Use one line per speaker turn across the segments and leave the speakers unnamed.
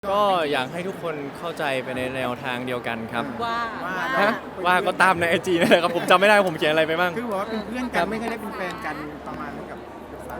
ก็อยากให้ทุกคนเข้าใจไปในแนวทางเดียวกันครับ
ว่า
ว่าก็ตามใน IG นั่นแหละครับผมจำไม่ได้ว่าผมเขียนอะไรไปบ้าง
คือบอกว่าเป็นเพื่อนกันไม่เคยได้เป็นแฟนกันประมาณนั้นกับสาว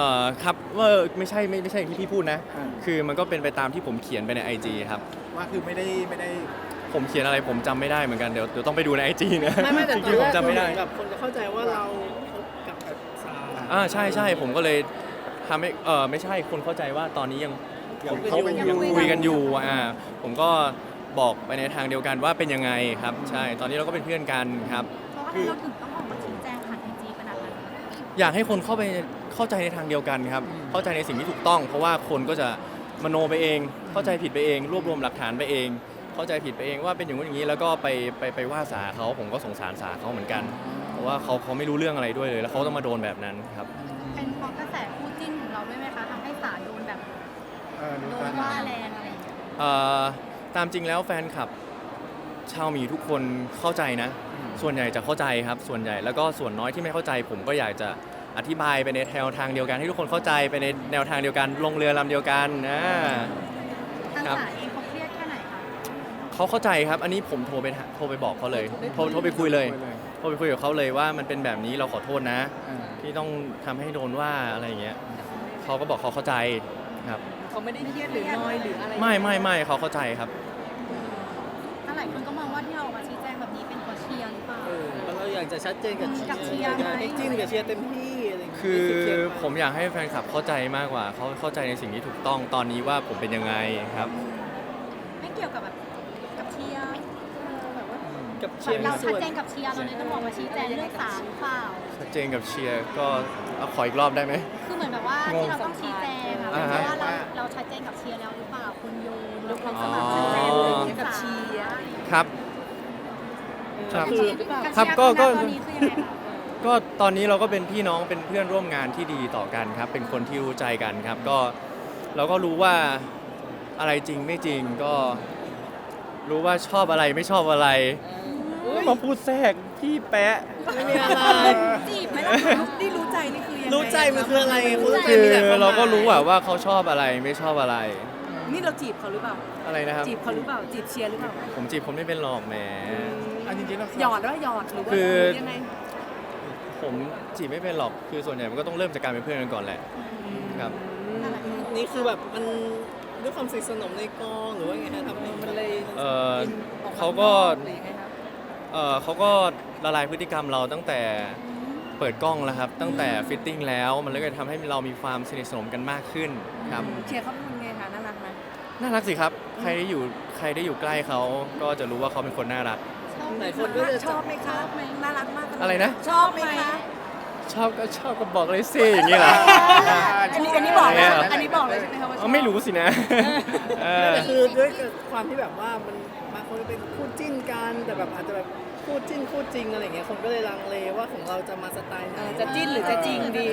ครับว่าไม่ใช่อย่างที่พี่พูดนะ คือมันก็เป็นไปตามที่ผมเขียนไปใน IG ครับ
ว่าคือไม่ได้
ผมเขียนอะไรผมจำไม่ได้เหมือนกันเดี๋ยวต้องไปดูใน IG นะ
ไม่แต่
จ
ตอ
ริ
น
งๆ
แร
ผม
ก
จำไม่ได้
แบบคนจะเข้าใจว่าเราคบกับสาว
ใช่ผมก็เลยทำให้ไม่ใช่คนเข้าใจว่าตอนนี้ยัง
เขาเป็นอยู่
คุยกันอยู่ผมก็บอกไปในทางเดียวกันว่าเป็นยังไงครับใช่ตอนนี้เราก็เป็นเพื่อนกันครับ
เพราะอะไรเราถึงต้องออกมาชี้แจงผ่านไอจีขนาดนั้น
อยากให้คนเข้าใจในทางเดียวกันครับเข้าใจในสิ่งที่ถูกต้อง เพราะว่าคนก็จะมโนไปเอง เข้าใจผิดไปเอง รวบรวมหลักฐานไปเอง เข้าใจผิดไปเองว่าเป็นอย่างนู้นอย่างนี้แล้วก็ไปว่าสาเขาผมก็สงสารสาเขาเหมือนกัน เพราะว่าเขาไม่รู้เรื่องอะไรด้วยเลยแล้วเขาต้องมาโดนแบบนั้นครับ
เป็นเพราะกระแสคู่จิ้นของเราด้วยไหมคะทำให้สาโดนแบบโดนว่าแรงอะไรอย่างเงี้ย
ตามจริงแล้วแฟนคลับชาวหมีทุกคนเข้าใจนะ ส่วนใหญ่จะเข้าใจครับส่วนใหญ่แล้วก็ส่วนน้อยที่ไม่เข้าใจ ผมก็อยากจะอธิบายไปในแนวทางเดียวกันให้ทุกคนเข้าใจไปในแนวทางเดียวกันลงเรือลำเดียวกันนะ
ทางสาเองเขาเครียดแค่ไหนคะ
เขาเข้าใจครับอันนี้ผมโทรไปบอกเขาเลยโทรไปคุยเลยโทรไปคุยกับเขาเลยว่ามันเป็นแบบนี้เราขอโทษนะที่ต้องทำให้โดนว่าอะไรอย่างเงี้ยเขาก็บอกเขาเข้าใจครับ
เขาไม่ได้เครียดหรือน้อยหรืออะไร
ไม่เขาเข้าใจครับ
ถ้าหลายคนก็มองว่าที่เราออกมาชี้แจงแบบนี้เป็นเพราะเชียร์หรือเปล่า
เราอยากจะชัดเจนกับ
กับเชียร์ไหม
ให้จิ้นกับเชียร์เต็มที่อะไรอย่างเงี้ย
คือ
ไเครียดาก
ผมอยากให้แฟนคลับเข้าใจมากกว่าเขาเข้าใจในสิ่งที่ถูกต้องตอนนี้ว่าผมเป็นยังไงครับ
ไม่เกี่ยวกับแบบกับเชียร์แบบว่า
กับเชียร์มี
เรา
ส่
ชัด
วน
เจนกับเชียร์เราเลยต้องออกมาชี้แจงเรื่องสาหรือเปล่า
ชัดเจนกับเชียร์ก็เอาขออีกรอบได้ไหม
คือเหมือนแบบว่าที่เราต้องชี้แจงอะเพ
อ่า
ราะ
ฮะ
ว่าเราชัดเจนกับเชียร์แล้วหรือเปล่าคุณโยน
ยกความ
อ๋
ส
อ
มัครชัดเจนเลยกับเชียร์
ครับ ครับ
คือ
กับ
ครับ
เชียร์
ก็
ตอนนี้คือยังไงคะ
ก็ตอนนี้เราก็เป็นพี่น้องเป็นเพื่อนร่วมงานที่ดีต่อกันครับ เป็นคนที่รู้ใจกันครับก็เราก็รู้ว่าอะไรจริงไม่จริงก็รู้ว่าชอบอะไรไม่ชอบอะไรมาพูดแทรกพี่แปะ
ไม่มีอะไร
จีบไหมล่ะนี่รู้ใจนี่คือยังไง
รู้ใจมันคืออะไรคุณรู้ใจ
คือ
มีแต่ความหมย
เราก็รู้ว่าเขาชอบอะไรไม่ชอบอะไร
นี่เราจีบเขาหรือเปล่า
อะไรนะครับ
จีบเขาหรือเปล่า จีบเชียร์หรือเปล่า
ผมจีบคนไม่เป็นหรอกแหม
อันจริงๆแล้ว
หยอดว่าหยอดหรือว่า
คือ
ยังไง
ผมจีบไม่เป็นหรอกคือส่วนใหญ่มันก็ต้องเริ่มจากการเป็นเพื่อนกันก่อนแหละครับ
นี่คือแบบมันด้วยความสนิทสนมในกองหรือว่าไงฮะทำให้มันเลย
เขาก็เขาก็ละลายพฤติกรรมเราตั้งแต่เปิดกล้องแล้วครับ ตั้งแต่ฟิตติ้งแล้วมันเลยทำให้เรามีความสนิทสนมกันมากขึ้นครับ
เชียร์เขาเป็นคนไงคะน่ารักไหม
น่ารักสิครับใครได้อยู่ใกล้เขาก็จะรู้ว่าเขาเป็นคนน่ารัก
หลายคนก็จะ
ชอบไหมคะน่ารักมาก
อะไรนะ
ชอบไหมคะ
ชอบก็บอกเลยสิอย่างนี้เหรอ
อันนี้บอกเลย
เหรอ
อันนี้บอกเลยใช่ไหมคะว่าชอบ
ไม่รู้สินะ
แต่คือด้วยความที่แบบว่ามันบางคนเป็นคู่จิ้นกันแต่แบบอาจจะแบบคู่จิ้นคู่จริงอะไรเงี้ยคนก็เลยลังเลว่าของเราจะมาสไตล์ไหน
จะจิ้นหรือจะจริงดี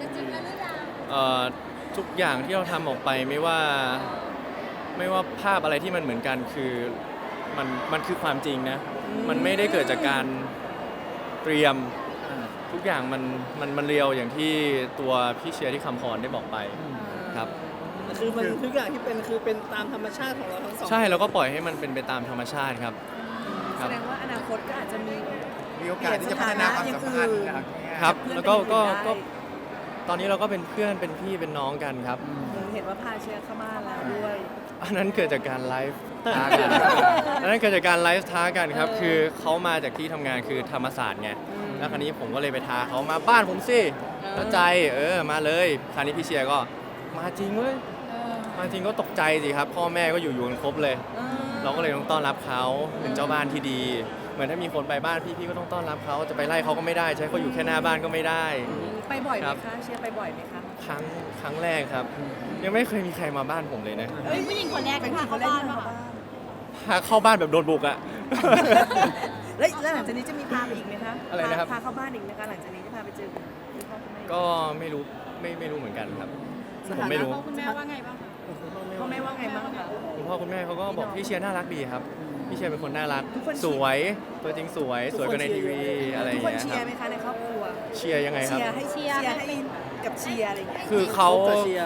ทุกอย่างที่เราทำออกไปไม่ว่าภาพอะไรที่มันเหมือนกันคือมันคือความจริงนะ มันไม่ได้เกิดจากการเตรียมทุกอย่างมันเรียวอย่างที่ตัวพี่เชียร์ที่คำพรได้บอกไปครับ
คือมันทุกอย่างที่เป็นคือเป็นตามธรรมชาติของเราทั้งสอง
ใช่เราก็ปล่อยให้มันเป็นไปตามธรรมชาติครับค
แส
รับ
ดงว่าอนาคตก็อาจจะมี
มีโอกาสที่จะพัฒนาความสัมพันธ์อย่างเงี้ย
ครับแล้วก็
เพื่อนเป็น
ก็
ได้
ตอนนี้เราก็เป็นเพื่อนเป็นพี่เป็นน้องกันครับ
เห็นว่าพาเชียร์เข้ามาแล้วด้วย
อันนั้นเกิดจากการไลฟ์ท้ากัน อันนั้นเกิดจากการไลฟ์ท้ากันครับ คือเขามาจากที่ทำงานคือธรรมศาสตร์ไง แล้วคราวนี้ผมก็เลยไปท้าเขามาบ้านผมสิเข้าใจมาเลยคราวนี้พี่เชียร์ก็มาจริงเว้ย มาจริงก็ตกใจสิครับ พ่อแม่ก็อยู่กันครบเลย เราก็เลยต้องต้อนรับเขาเป็นเจ้าบ้านที่ดี เหมือนถ้ามีคนไปบ้านพี่ก็ต้องต้อนรับเขาจะไปไล่เขาก็ไม่ได้ ใช้เขาอยู่แค่หน้าบ้านก็ไม่ได้
ไปบ่อยไหม
ครับ
คะเชียร์ไปบ่อยไหมคะ
ครั้งแรกครับ ยังไม่เคยมีใครมาบ้านผมเลยนะ
เป็นผู้หญิงคนแรกที่พาเข้าบ้านป่ะคะ
พาเข้าบ้านแบบโดนบุกอะ
แล้วหลังจากนี้จะมีพาไปอีกไหมคะ
อะไรนะครับ
พาเข้าบ้านอีกไหมคะหลังจากนี้จะพาไปเจอคุณพ่อคุณแม่
ก็ไม่รู้เหมือนกันครับ ผมไม่รู้
พ่อคุณแม่ว่าไงบ้างคะ
พ่อแม่ว่าไงบ้างคะ
คุณพ่อคุณแม่เขาก็บอกพี่เชียร์น่ารักดีครับ พี่เชียร์เป็นคนน่ารัก
ทุกคน
สวยตัวจริงสวยกว่าในทีวีอะไรอ
ทุ
ย่าก ง
คน
เงี้ย
เชี
ค
ย
รั
ร์
บ
ไหมคะในครอบครัว
เชียร์ยังไงครับ
เชียร์ให้กับเชียร์อะไรอย่างเงี้ย
คือเขา
กับเชียร์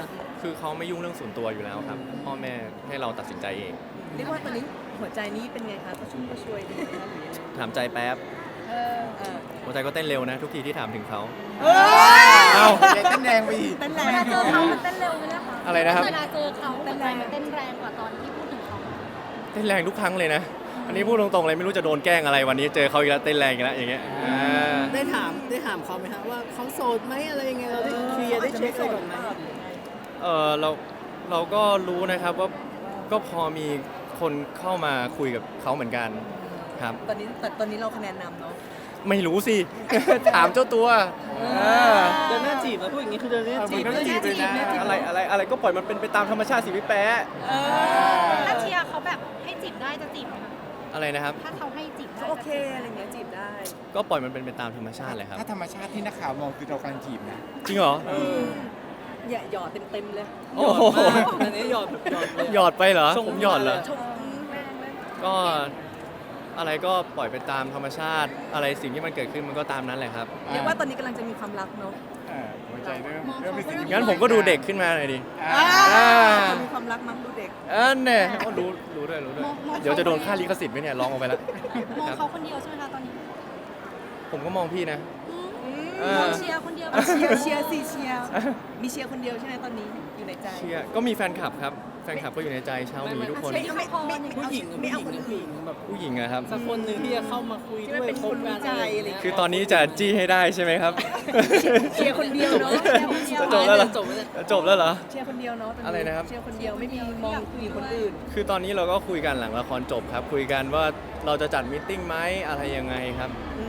คือเขาไม่ยุ่งเรื่องส่วนตัวอยู่แล้วครับพ่อแม่ให้เราตัดสินใจเอง
เรียกว่าตอนนี้หัวใจนี้เป็นไงคะกระชุ่มกระชวยดีไหมคะหรือยังไง
ถามใจแป๊บ
เออ
หัวใจก็เต้นเร็วนะทุกทีที่ถามถึงเขา
เอ้
เอ้า
ใจเต้นแรงไปอีก
เต้นแร
เวลาง เจอเขามันเต้นเร็วไหมนะคะ
อะไรนะครับ
เวลาเจอเขาหัวใจมันเต้นแรงกว่าตอนที่พูดถึงเขา
เต้นแรงทุกครั้งเลยนะ อันนี้พูดตรงๆเลยไม่รู้จะโดนแกล้งอะไรวันนี้เจอเขาอีกแล้วเต้นแรงอีกแล้วอย่างเงี้ย
ได้ถามเขาไหมฮะว่าเขาโสดไหมอะไรยังไงเราได้เคลียร์ได้เช็คอะไรก่อนไหม
เราก็รู้นะครับว่าก็พอมีคนเข้ามาคุยกับเขาเหมือนกันครับ
ตอนนี้เราคะแนนนำเนาะ
ไม่รู้สิ ถามเจ้าตัวเออ
เดินหน้าจีบมาพูดอย่างนี้คือเดินหน้าจีบ
เออมันก็จีบเลยนะ
อะไรก็ปล่อยมันเป็นไปตามธรรมชาติสิพี่แป๊ะ
ถ้าเชียร์เขาแบบให้จีบได้จะจีบไหมคะ
อะไรนะครับ
ถ้าเขาให้จีบได้
ก็โอเคอะไรเงี้ยจีบได้
ก็ปล่อยมันเป็นไปตามธรรมชาติเลยครับ
ถ้าธรรมชาติที่นักข่าวมองคือเรากำลังจีบนะ
จริงเหรอ
อย่าหยอดเต็มเลย
โอ้โห
อันนี้หยอดเลย
หยอดไปเหรอผมหยอดเหรอ
ชมแรงเลย
ก็อะไรก็ปล่อยไปตามธรรมชาติ อะไรสิ่งที่มันเกิดขึ้นมันก็ตามนั้นแหละครับ
เรียกว่าตอนนี้กำลังจะมีความรักเนาะ
หัวใจเริ่มมีสิ่ง
งั้นผมก็ดูเด็กขึ้นมาหน่อยดิ
จะมีความรักมั้งดูเด็ก
เนี่ยก็รู้ด้วยเดี๋ยวจะโดนค่าลิขสิทธิ์ไหมเนี่ยร้องออกไปแล้ว
มองเขาคนเดียวใช่ไหมคะตอนนี้
ผมก็มองพี่นะ
มองเชียร์คนเดียว
เชียร์สิเชียร์มีเชียร์คนเดียวใช่ไหมตอนนี้อยู่ในใจ
เชียร์ก็มีแฟนคลับครับ แฟนคลับก็อยู่ในใจชาวหมีทุกคน
ผู้หญิง
ไม่เอาคนอื่น
แบบ
ผู้หญิงนะครับ
สักคนหนึ่งที่จะเข้ามาคุย
ที่
ด้
มัน
วย
เป็นคนรู้ใจอะไรอย่าง
คื
เงี้ย
อตอนนี้จะจี้ให้ได้ใช่ไหมครับ
เชียร์คนเดียวเนาะ
จบแล้วเหรอ
จบแล้ว
จบแล้วเหรอ
เชียร์คนเดียวเนาะต
อะไรนะครับ
เชียร์คนเดียวไม่มีมองผู้หญิงคนอื่น
คือตอนนี้เราก็คุยกันหลังละครจบครับ คุยกันว่าเราจะจัดมตติ팅ไหมอะไรยังไงครับ
อื